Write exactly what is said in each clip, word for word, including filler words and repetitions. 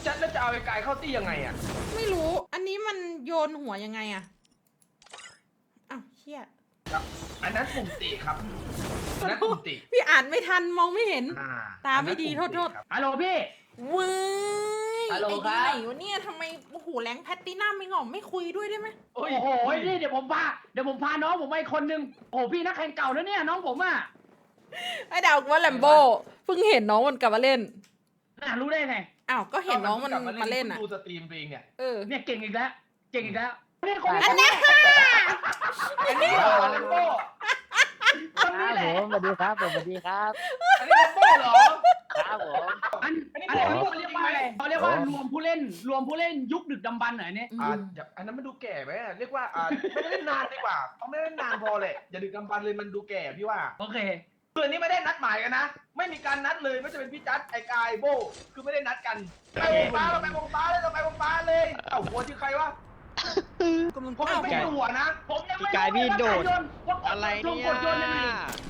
จัดแล้วจะเอาไอ้กายเข้าตี้ยังไงอ่ะไม่รู้อันนี้มันโยนหัวยังไงอะอ้าวเชี่ยอันนั้นปุ่มตีครับอันนั้นปุ่มตีพี่อ่านไม่ทันมองไม่เห็นอ่ตาไม่ดีโทษโทษฮัลโหลพี่เว้ยฮัลโหลไอ้ครัที่บไหนวะเนี่ยทำไมโอ้โหแรงแพตตินัมไม่งอมไม่คุยด้วยได้ไหมโอ้โอ้โหนี่เดี๋ยวผมพาเดี๋ยวผมพาน้องผมไปคนนึงโอ้โหพี่นักแข่งเก่าแล้วเนี่ยน้องผมอ่ะไอ้ดาวว่าแลมโบเพิ่งเห็นน้องมันกลับมาเล่นน่ารู้ได้ไงอ้าวก็เห็นน้องมันมาเล่นอ่ะดูสตรีมเองเนี่ยเออเนี่ยเก่งอีกแล้วเก่งอีกแล้วนี่คนอันเนี้ยอันนี้เหรอเลมโบ้คนนี้แหละผมสวัสดีครับผมสวัสดีครับอันนี้เลมโบ้เหรอครับผมอันอันนี้อันผมนี้รู้เขาจเรีริยกงว่าไหมอะไรเขาเรียกว่ารวมผู้เล่น รวมผู้เล่นยุคดึกดำบรรพ์เหรอเนี่ยอ่าอันนั้นมันดูแก่ไหมเรียกว่าอ่าไม่ได้เล่นนานดีกว่าเขาไม่ได้เล่นนานพอเลยอย่าดึกกำปันเลยมันดูแก่พี่ว่าโอเคคืออันนี้ไม่ได้นัดหมายกันนะ ไม่มีการนัดเลยไม่ว่าจะเป็นพี่จัดไอ้กายโบคือไม่ได้นัดกันไปวงฟ้าเราไปวงฟ้าเลยเราไปวงฟ้าเลยเอ้าหัวชื่อใครวะผมยังไม่รู้หัวนะผมยังไม่กายพี่โดดว่าอะไรปุ่มเนี่ยกดโยนยังไง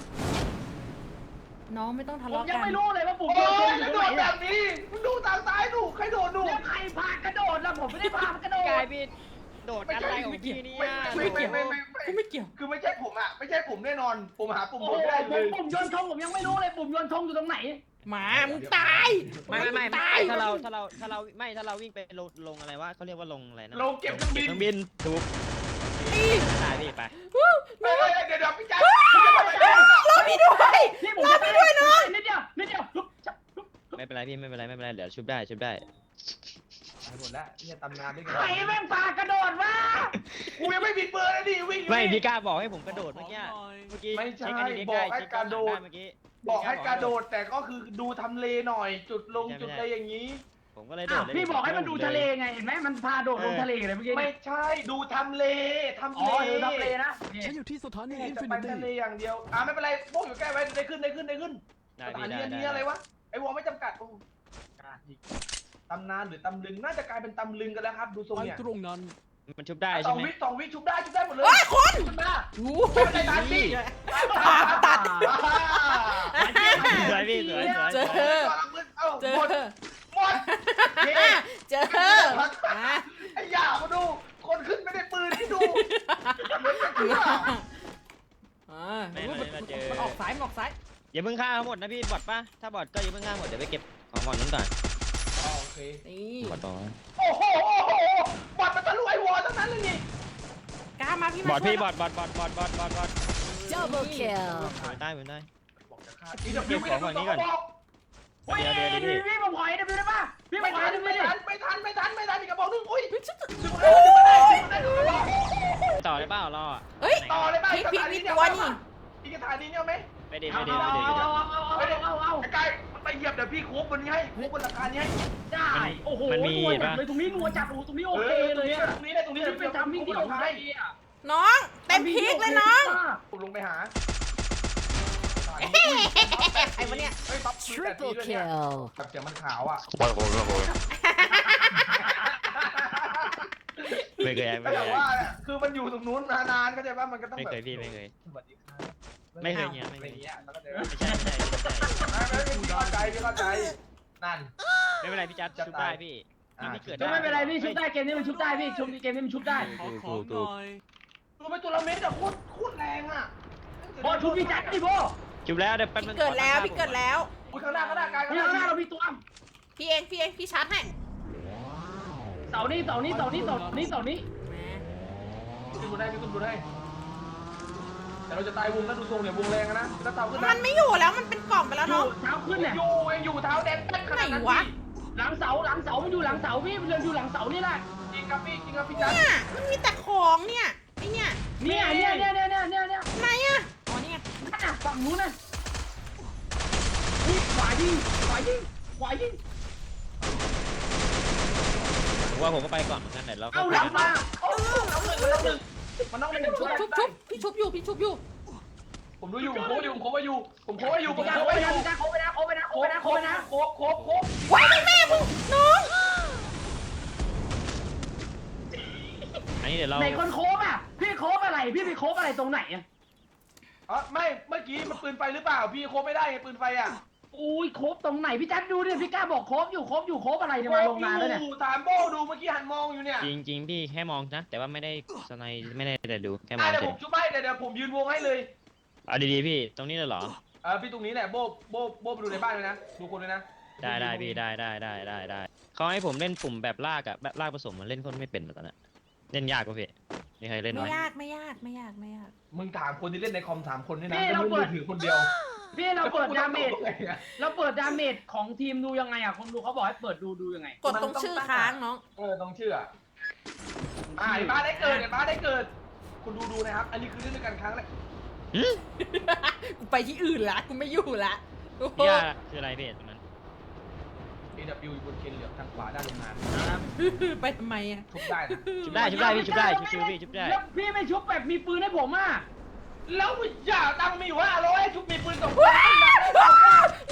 น้องไม่ต้องทะผมเลาะยังกันไม่รู้เลยว่าปุ่มโอ้โยนยอยู่กระตโดรงดไหนแบบนี้มึงดูทางซ้ายดูใครโดดดูแล้วใครพากระโดดล่ะผมไม่ได้พากระโดดกายพี่โดดอะไรของพี่เนี่ยไม่ไม่ไม่ไม่กูไม่เกี่ยวคือไม่ใช่ผมอ่ะไม่ใช่ผมแน่นอนผมหาปุ่มโอ้โดโหดไม่ได้ผเลมยปุ่มโยนธงผมยังไม่รู้เลยปุ่มโยนธงอยู่ตรงไหนหมามึงตายไม่ไม่ไม่ตายถ้าเราถ้าเราถ้าเราไม่ถ้าเราวิ่งไปลงลงอะไรวะเขาเรียกว่าลงอะไรนะเราเก็บเครื่องบินเครื่องบินถูกตายพี่ไปไม่ไม่เดี๋ยวเดี๋ยวพี่จัดรอพี่ด้วยนี่ผมจะไปด้วยน้องนิดเดียวนิดเดียวลุกจับลุกไม่เป็นไรพี่ไม่เป็นไรไม่เป็นไรเดี๋ยวชุบได้ชุบได้หมดแล้วเนี่ยตำนานด้วยใครแม่งพากระโดดวะกูยังไม่บิดเบอร์เลยดิวิ่งไม่พี่กล้าบอกให้ผมกระโดดเมื่อกี้เมื่อกี้ไม่ใช่เช็คอันนี้บใกอล้กให้เช็คกระโดดเมื่อกี้บอกให้กระโดดแต่ก็คือดูทำเลหน่อย จุดลงจุดอะไรอย่างนี้ผมก็เลยโดอ้าดวเลยพี่บอกให้มันดูทะเลไงเห็นไหมมันพาโดดลงทะเลเลยเมื่อกี้ไม่ใช่ดูทำเลทำอ๋เลอดูทะเลนะฉันอยู่ที่สถานีนี่อินจะฟิไปนิตี้ทะเลอย่างเดียวอ่าไม่เป็นไรพวกอยู่ใกล้ไว้ได้ขึ้นได้ขึ้นได้ขึ้นได้สถาพี่นีได้อันได้นี้อะไรวะไอ้วอไม่จำกัดโอ้ตำนานหรือตำลึงน่าจะกลายเป็นตำลึงกันแล้วครับดูทรงไปเนี่ยตรงนั้นมันชุบได้สใช่องไหมวิสองวิชุบได้ชุบได้หมดเลยเฮ้ยคนขึ้นมาโอ้ไม่เป็นไรตามพี่ตัดสวยพี่สวยสวยเจอ เจอหมดหมดเจออ่ะไอ้ยามาดู คนขึ้นไม่ได้ปืนที่ดูอ่าไม่ไม่มาเจอมันออกซ้ายมันออกซ้ายอย่าเพิ่งฆ่าทั้งหมดนะพี่บอทป่ะถ้าบอทก็อย่าเพิ่งฆ่าหมดเดี๋ยวไปเก็บของบอทนั้นก่อนโอเคนี่บอทต่อโอ้โหโอ้โหบอดมันทะลุไอ้วอลทั้งนั้นเลยนี่กล้ามาพี่บมาอทช่วยพี่บอทบอทบอทบอทบอทบอทบอท double kill ไม่ได้ไม่ได้อีดับบิวไม่ได้ดูต่อบอกโอ้ยพี่พี่ผมขอไอ้ดิได้ป่ะพี่ผไม่มขอทัไอ้นดิไม่ดิทันไม่ทันไม่ทันไม่ทันอีกกระบอกนึงอุ้ยต่อได้เปล่ารอเฮ้ยต่อเลยป่ะพลิกพลิกพลิกตัวนี่อีกสถานีเนี่ยไหมไปดิไปเอาดิเอาไปดิเอาเอาเอาเอาเอาเอาไอ้กายมันไปเหยียบเดี๋ยวพี่โค้งบนนี้ให้โค้งบนราคานี้ให้ได้โอ้โหนัวจัดเลยตรงนี้นัวจัดโอ้ตรงนี้โอเคเลยอะตรงนี้ได้ตรงนี้นี่เป็นทำมิ่งที่โอเคอะน้องเต็มพลิกเลยน้องผมลงไปหาไอ้วะเนี่ยเฮ้ยปั๊บ triple kill แบบเสียงมันขาวอ่ะไม่เคยไม่แต่เคยว่าคือมันอยู่ตรงนู้นนานๆก็จะว่ามันก็ต้องไม่แบบเคยพี่ไม่เคยสวัสดีครับไม่เคยเงี้ยไม่อะไรเคยเงี้ยแล้วก็เดี๋ยวไม่ใช่ไม่ใช่ไม่ใช่ไม่ไม่พี่เข้าใจพี่เข้าใจนั่นไม่เป็นไรพี่จัดชุบได้พี่พี่เกิดก็ไม่เป็นไรพี่ชุบได้เกมนี้มันชุบได้พี่ชุบเกมนี้มันชุบได้ขอของหน่อยตัวไปตัวละเม็ดอะโคตรโคตรแรงอะโบชุบพี่จัดดิโบชุบแล้วเดี๋ยวแป๊บนึงเกิดแล้วพี่เกิดแล้วอุ้ยข้างหน้าข้างหน้ากายข้างนี่หน้าข้างหน้าเรามีตัวพี่เองพี่เองพี่ชาร์จให้เสานี้เสานี้เสานี้เสานี้เสานี้พี่คุณได้พี่คุณดูได้แต่เราจะตายวงแล้วดูทรงเนี่ยวงแรงนะแล้วเท้าขึ้นมันไม่อยู่แล้วมันเป็นกล่องไปแล้วอยู่เนาะเท้าขึ้นเนี่ยอยู่เองอยู่เท้าแดงขนาดนั้นหลังเสาหลังเสามันอยู่หลังเสาพี่มันอยู่หลังเสานี่แหละจริงครับพี่จริงครับพี่จันเนี่ยมันมีแต่ของเนี่ยไอเนี่ยเนี่ยเนี่ยเนี่ยเนี่ยเนี่ยเนี่ยเนี่ยไหนอะอ๋อเนี่ยนั่นน่ะฝั่งนู้นน่ะนี่ขวายิงขวายิงขวายิงผมว่าผมก็ไปก่อนเหมือนกันเดี๋ยวเราเอาหลังมาโอ้น้องหนึ่งมันน้องหนึ่งมันน้องหนึ่งชุบชุบชุบพี่ชุบอยู่พี่ชุบอยู่ผมดูอยู่ผมโค้อยู่ผมโค้ไว้อยู่ผมโค้ไว้อยู่โคผมไปโค้ไว้อยู่นะโคไปนะโคไปนะโคไปนะโคไปนะโค้โค้โค้ว้ายแม่มึงน้องอันนี้เดี๋ยวเราไหนคนโคบอ่ะพี่โคบอะไรพี่ไปโคบอะไรตรงไหนอ่ะอ๋อไม่เมื่อกี้มันปืนไฟหรือเปล่าพี่โค้ไม่ได้ไงปืนไฟอ่ะอุ้ยโคบตรงไหนพี่แจ๊คดูดิพี่กล้าบอกโคบอยู่โคบอยู่โคบอะไรเนี่ยมาลงนานแล้วเนี่ยถามโบดูเมื่อกี้หันมองอยู่เนี่ยจริงจริงๆพี่แค่มองนะแต่ว่าไม่ได้สไนไม่ได้แต่ดูแค่มออ่ะงเดี๋ยวเฉผยมชุบให้เดี๋ยวเดี๋ยวผมยืนวงให้เลยเอาดีๆพี่ตรงนี้เลยเหรอเออพี่ตรงนี้แหละโบโบโบไปดูในบ้านเลยนะดูคนเลยนะได้ได้พี่ได้ได้ได้ได้ได้เขาให้ผมเล่นปุ่มแบบลากอะแบบลากผสมมันเล่นคนไม่เป็นแบบนั้นอะเล่นยากกว่าพี่มีใครเล่นไหมไม่ยากไม่ยากไม่ยากไม่ยากมึงถามคนที่เล่นในคอมถามคนนี่นะนี่เราไม่เปิดมือถือคนเดียวพี่เราเปิดดาเมจแล้วกูต้องตกไงอะเราเปิดดาเมจของทีมดูยังไงอ่ะคนดูเขาบอกให้เปิดดูดูยังไงกดตรงชื่อค้างน้องเออต้องเชื่ออ่าไอ้บ้านได้เกิดไอ้บ้านได้เกิด คุณดูดูนะครับ อันนี้คือเล่นด้วยกันครั้งแรกหึกูไปที่อื่นละกูไม่อยู่ละโอ้โหพี่ว่าคืออะไรพี่ตรงนั้นเอ ดับเบิลยู อยู่บนเคนเหลือบทางขวาด้านโรงงานไปทำไมอ่ะทุบได้นะชุบได้ชุบได้พี่ชุบได้ชุบชิวพี่ชุบได้แล้วพี่ไม่ชุบแบบมีปืนให้ผมอ่ะแล้วอย่าตังค์มีอยู่ห้าร้อยชุบมีปืนสองคนขึ้นมาได้สองคน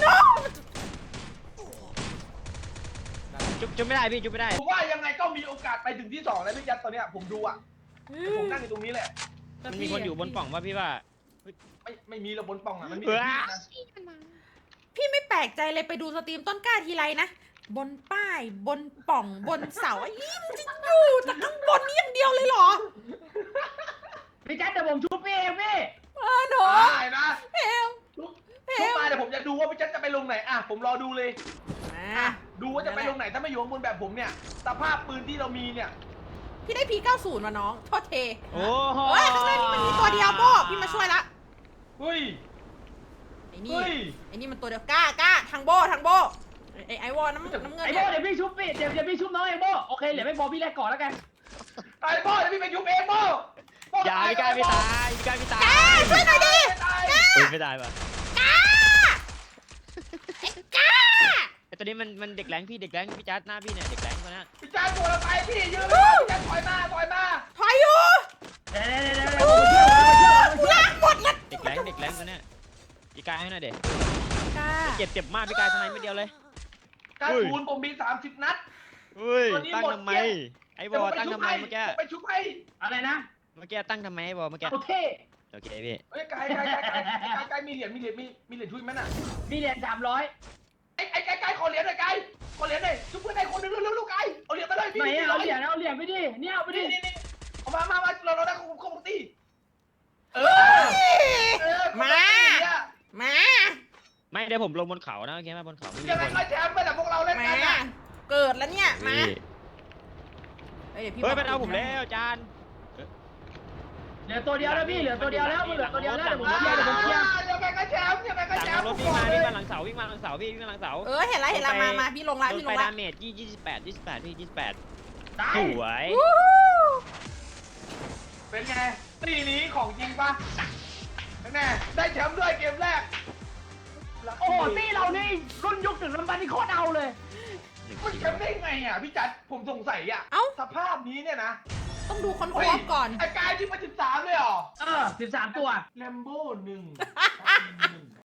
ชุบชุบไม่ได้พี่ชุบไม่ได้ผมว่ายังไงก็มีโอกาสไปถึงที่สองแล้วพี่ยัดตอนเนี้ยผมดูอ่ะผมนั่งอยู่ตรงนี้แหละมันมีคนอยู่บนปล่องว่าพี่ว่าไม่ไม่มีระบนปล่องอ่ะมันมีเออแต่พี่นะพี่ไม่แปลกใจเลยไปดูสตรีมต้นกล้าทีไรนะ บนป้าย บนปล่อง บนเสาไอ้ยี่มันจะอยู่แต่ข้างบนนี้อย่างเดียวเลยเหรอพี่แจ๊คเดี๋ยวผมชุบพี่เองพี่เออหนูได้นะเอวชุบเอชุบวมาเดี๋ยวผมจะดูว่าพี่ยัดจะไปลงไหนอ่ะผมรอดูเลยมาอ่ะดูว่าจะไปลงไหนถ้าไม่อยู่ข้างบนแบบผมเนี่ยสภาพปืนที่เรามีเนี่ยพี่ได้พีเก้าสิบมาน้องโทษเทโอ้โหเฮ้ยข้างในนี่มันมีตัวเดียวโบพี่มาช่วยละเฮ้ยไอ้นี่เฮ้ยไอ้นี่มันตัวเดียวกล้ากล้าทางโบทางโบไอ้ไอ้วอน้ำน้ำเงินไอ้โบเนี่ยเดี๋ยวพี่ชุบพี่เดี๋ยวเดี๋ยวพี่ชุบน้องไอ้โบโอเคเหลือไม่พอพี่แลกก่อนแล้วกันตายพ่อเดี๋ยวพี่ไปยุบเองพ่อพ่อย่าพี่กล้าไม่ตายพี่กล้าไม่ตายกล้าช่วยหน่อยดิตายเฮ้ยไม่ตายป่ะกล้าไอ้กล้าไอตัวนี้มันมันเด็กแรงพี่เด็กแรงพี่จัดหน้าพี่เนี่ยเด็กแรงคนนั้นพี่จ้าตัวเราไปพี่ยืนพี่จ้าถอยมาถอยมาถอยอยู่เดี๋ยวเดี๋ยวเดี๋ยวเดี๋ยวผมมาช่วยผมมาช่วยผมมาช่วยล้างหมดละเด็กแรงเด็กแรงคนเนี้ยพี่กายให้หน่อยเด็กกล้าเจ็บเจ็บมากพี่กายทำไมไม่เดียวเลยการคูณผมมีสามสิบนัดเฮ้ยตัวนี้ตั้งหมดทำไมเกลี้ยงไอ้บอตั้งทำไมเมื่อกี้ไปชุบให้อะไรนะเมื่อกี้ตั้งทำไมไอ้บอเมื่อกี้เอาเท่โอเคพี่เฮ้ยกายกายกายกายกายกายมีเหรียญมีเหรียญมีมีเหรียญช่วยไหมน่ะมีเหรียญสามร้อยไอ้ไอ้กายกายขอเหรียญหน่อยกายขอเหรียญหน่อยชุบเพื่อนได้คนนึงเร็วๆลูกกายเอาเหรียญมาเลยพี่ไหนอะเอาเหรียญเอาเหรียญไปดิเนี่ยเอาไปดินี่นี่นี่เอามามามาเราเราได้ของของตีเออเออมา มาไม่เดี๋ยวผมลงบนเขานะโอเคไหมบนเขาไม่มียังไงคนก็แชมป์ไปแต่พวกเราเล่นมากันอ่ะเกิดแล้วเนี่ย มาพี่เฮ้ยเดี๋ยวพี่เฮ้ยบมันเอาผมแล้วจานเหลือตัวเดียวแล้วพี่เหลือตัวเดียวแล้วเหลือตัวเดียวแล้วเดี๋ยวผมเคลียร์เดี๋ยวผมเคลียร์ยังไงก็แชมป์ยังไงก็หลังแชมป์รถวิ่งมาวิ่งมาหลังเสาวิ่งมาหลังเสาพี่วิ่งมาหลังเสาเออเห็นแล้วเห็นแล้วมามาพี่ลงละโดพี่นลไปงละดาเมจยี่ยี่สิบแปดยี่สิบแปดพี่ยี่สิบแปดตายสวยวู้ฮู้เป็นไงตีนี้ของจริงปะแน่ได้แชมป์ด้วยเกมแรกโอ้โหตี้เรานี่รุ่นยุคถึงลำบันนี่โคตรเอาเลยมันแชมป์ได้ไงอ่ะพี่จัดผมสงสัยอ่ะเอ้าสภาพนี้เนี่ยนะต้องดูคนควบก่อนไอ้กายที่มาสิบสามเลยเหรอเออสิบสามตัวแลมโบ้หนึ่ง